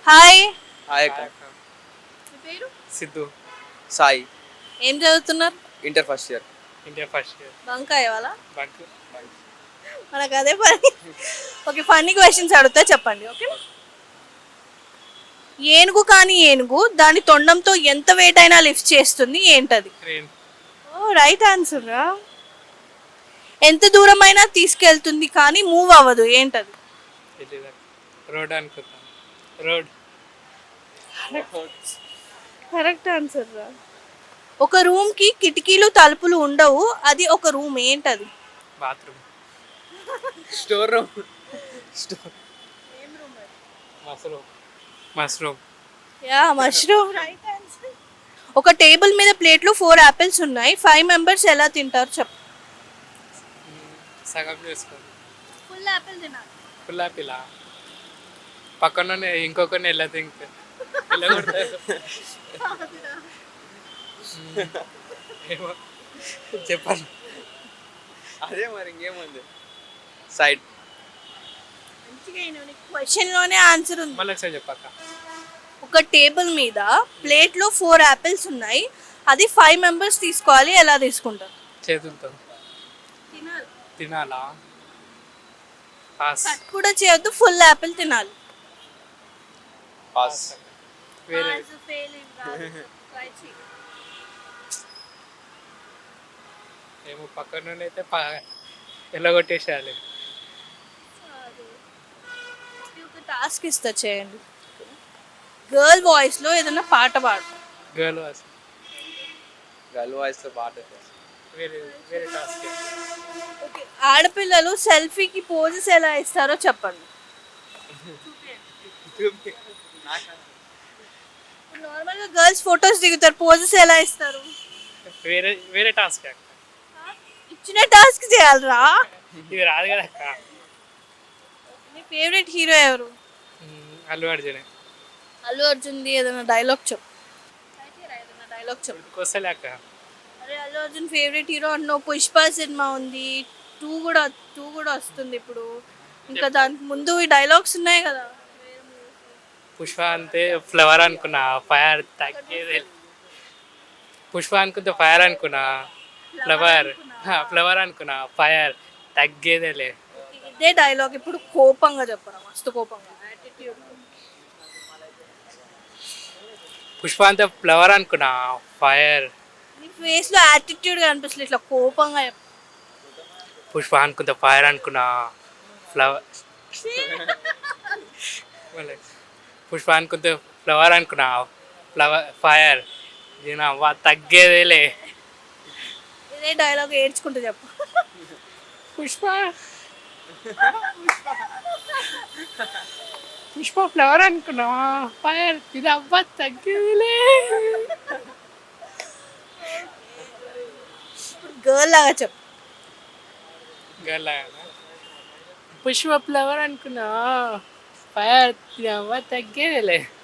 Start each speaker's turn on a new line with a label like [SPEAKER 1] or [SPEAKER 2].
[SPEAKER 1] Hi.
[SPEAKER 2] Hi అక్క.
[SPEAKER 1] మీ పేరు?
[SPEAKER 3] సిద్ధు.
[SPEAKER 2] సాయి.
[SPEAKER 1] ఏం చదువుతున్నారు?
[SPEAKER 2] Inter first year.
[SPEAKER 3] India first year.
[SPEAKER 1] బంకాయ వాళ్ళ
[SPEAKER 3] బంక్.
[SPEAKER 1] మనకు అదే పని. ఓకే, ఫన్నీ క్వశ్చన్స్ అడుగుతా, చెప్పండి. ఓకే. ఏనుగు కానీ ఏనుగు దాని తొండంతో ఎంత వెయిట్ అయినా లిఫ్ట్ చేస్తుంది, ఏంటది?
[SPEAKER 3] ట్రైన్.
[SPEAKER 1] ఓ, రైట్ ఆన్సర్ రా. ఎంత దూరమైనా తీసుకెళ్తుంది కానీ మూవ్ అవ్వదు, ఏంటది?
[SPEAKER 3] తెలీదు. రోడ్ అనుకుంటా. రోడ్.
[SPEAKER 1] కరెక్ట్ ఆన్సర్ రా. ఒక రూమ్ కి కిటికీలు తలుపులు ఉండవు, అది ఒక రూమ్, ఏంటది?
[SPEAKER 3] Bathroom.
[SPEAKER 2] Store room.
[SPEAKER 3] Mushroom. Mushroom.
[SPEAKER 1] Yeah, mushroom, right answer. ఒక టేబుల్ మీద ప్లేట్లో 4 యాపిల్స్ ఉన్నాయి, 5 మెంబర్స్ ఎలా తింటారు చెప్పు.
[SPEAKER 3] సగం చేసుకోండి.
[SPEAKER 1] ఫుల్ యాపిల్ తినాలి.
[SPEAKER 3] పుల్లా పిల్ల పక్కన ఇంకొకరిని ఎలా తింటే ఎలా కొడతారు? ఏమో చెప్పాలి.
[SPEAKER 2] అదే మరి ఇంకేముంది. సైడ్.
[SPEAKER 1] క్వశ్చన్ లోనే ఆన్సర్ ఉంది.
[SPEAKER 3] మళ్ళీ ఒకసారి చెప్పాక.
[SPEAKER 1] ఒక టేబుల్ మీద ప్లేట్లో 4 యాపిల్స్ ఉన్నాయి, అది 5 మెంబర్స్ తీసుకోవాలి, ఎలా తీసుకుంటారు?
[SPEAKER 3] చేతులతో తినాలా? పాస్.
[SPEAKER 1] కట్ కూడా చేయొద్దు, ఫుల్ యాపిల్ తినాలి.
[SPEAKER 2] పాస్.
[SPEAKER 3] వేరే ఏమో పక్కన అయితే ఎలా కొట్టేసేయాలి.
[SPEAKER 1] ఒక టాస్క్ ఇస్తా, చేయండి. గర్ల్ వాయిస్ లో ఏదైనా పాట పాడు.
[SPEAKER 3] Girl voice.
[SPEAKER 2] గర్ల్ వాయిస్ లో పాట.
[SPEAKER 3] వేరే వేరే టాస్క్.
[SPEAKER 1] ఓకే, ఆడపిల్లలు సెల్ఫీకి పోజెస్ ఎలా ఇస్తారో చెప్పండి. నార్మల్గా గర్ల్స్ ఫొటోస్ దిగుతారు, పోజెస్ ఎలా ఇస్తారు?
[SPEAKER 3] వేరే వేరే టాస్క్ అక్క.
[SPEAKER 1] ఇచ్చిన టాస్క్ చేయాలరా.
[SPEAKER 3] ఇది రాదు కదా అక్క.
[SPEAKER 1] మీ ఫేవరెట్ హీరో ఎవరు?
[SPEAKER 3] అల్లు అర్జునే.
[SPEAKER 1] అల్లు అర్జున్ది ఏదైనా డైలాగ్ చెప్పు. ఏదైనా డైలాగ్ చెప్పు.
[SPEAKER 3] కోసలే అక్క.
[SPEAKER 1] అరే, అల్లు అర్జున్ ఫేవరెట్ హీరో అన్నావు. పుష్ప సినిమా ఉంది, 2 కూడా వస్తుంది ఇప్పుడు. ఇంకా దానికి ముందు ఈ డైలాగ్స్ ఉన్నాయి కదా.
[SPEAKER 3] పుష్ప అంతే ఫ్లవర్ అనుకున్నా, ఫైర్ తగ్గేదే. పుష్ప అనుకుంటే ఫైర్ అనుకున్నా, ఫ్లవర్ అనుకున్నా, ఫైర్ తగ్గేదేలే.
[SPEAKER 1] ఇదే డైలాగ్ ఇప్పుడు కోపంగా చెప్పరా, మస్తు కోపంగా.
[SPEAKER 3] పుష్ప అంతే ఫ్లవర్ అనుకున్నా, ఫైర్.
[SPEAKER 1] నీ ఫేస్ లో యాటిట్యూడ్ కనిపిస్తుంది, ఇట్లా కోపంగా చెప్పు.
[SPEAKER 3] పుష్ప అనుకుంటే ఫైర్ అనుకున్నా, ఫ్లవర్. పుష్ప అనుకుంటే ఫ్లవర్ అనుకున్నా, ఫైర్. తగ్గేదేలే.
[SPEAKER 1] ఇదే డైలాగ్ ఏడ్చుకుంటూ చెప్పు.
[SPEAKER 3] పుష్ప పుష్ప ఫ్లవర్ అనుకున్నా, ఫైర్. ఇది అవ్వ తగ్గేదిలే.
[SPEAKER 1] ఇప్పుడు గర్ల్ లాగా చెప్పు.
[SPEAKER 3] గల్లా పుష్ప ఫ్లవర్ అనుకున్నా, ఫైర్. ఇది అవ్వ తగ్గేదిలే.